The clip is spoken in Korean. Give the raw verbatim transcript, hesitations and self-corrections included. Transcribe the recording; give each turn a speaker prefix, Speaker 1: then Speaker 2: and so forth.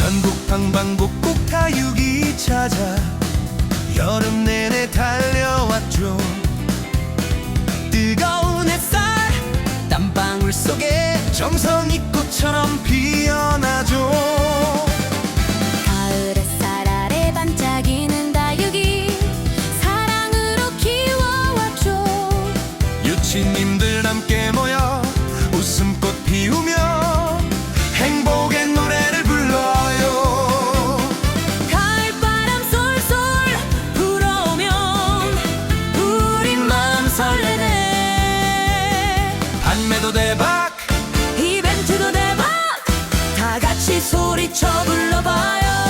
Speaker 1: 전국 방방곡곡 다육이 찾아 여름 내내 달려왔죠. 뜨거운 햇살 땀방울 속에 정성이 꽃처럼 피어나죠.
Speaker 2: 가을 햇살 아래 반짝이는 다육이 사랑으로 키워왔죠.
Speaker 1: 유치님들 함께 모여 웃음꽃 피우며 행복의 노래를 불러요.
Speaker 2: 가을바람 쏠쏠 불어오면 우리 마음 설레네.
Speaker 1: 판매도 대박
Speaker 2: 이벤트도 대박. 다 같이 소리쳐 불러봐요.